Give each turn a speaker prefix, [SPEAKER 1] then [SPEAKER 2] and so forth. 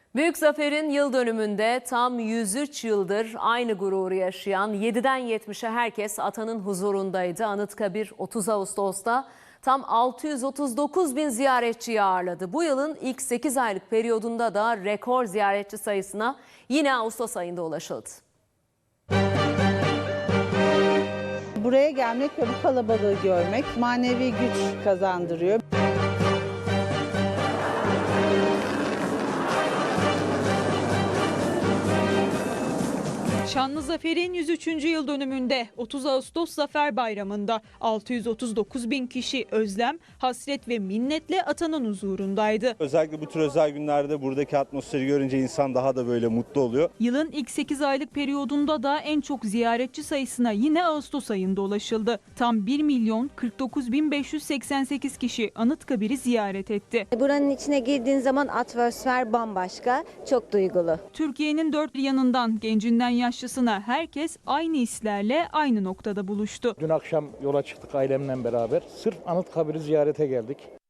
[SPEAKER 1] Büyük Zafer'in yıl dönümünde tam 103 yıldır aynı gururu yaşayan 7'den 70'e herkes atanın huzurundaydı. Anıtkabir 30 Ağustos'ta tam 639 bin ziyaretçiyi ağırladı. Bu yılın ilk 8 aylık periyodunda da rekor ziyaretçi sayısına yine Ağustos ayında ulaşıldı.
[SPEAKER 2] Buraya gelmek ve bu kalabalığı görmek manevi güç kazandırıyor.
[SPEAKER 3] Şanlı Zafer'in 103. yıl dönümünde 30 Ağustos Zafer Bayramı'nda 639 bin kişi özlem, hasret ve minnetle atanın huzurundaydı.
[SPEAKER 4] Özellikle bu tür özel günlerde buradaki atmosferi görünce insan daha da böyle mutlu oluyor.
[SPEAKER 3] Yılın ilk 8 aylık periyodunda da en çok ziyaretçi sayısına yine Ağustos ayında ulaşıldı. Tam 1 milyon 49 bin 588 kişi Anıtkabir'i ziyaret etti.
[SPEAKER 5] Buranın içine girdiğin zaman atmosfer bambaşka, çok duygulu.
[SPEAKER 3] Türkiye'nin dört bir yanından gencinden yaşlısına herkes aynı hislerle aynı noktada buluştu.
[SPEAKER 6] Dün akşam yola çıktık ailemle beraber. Sırf Anıtkabir'i ziyarete geldik.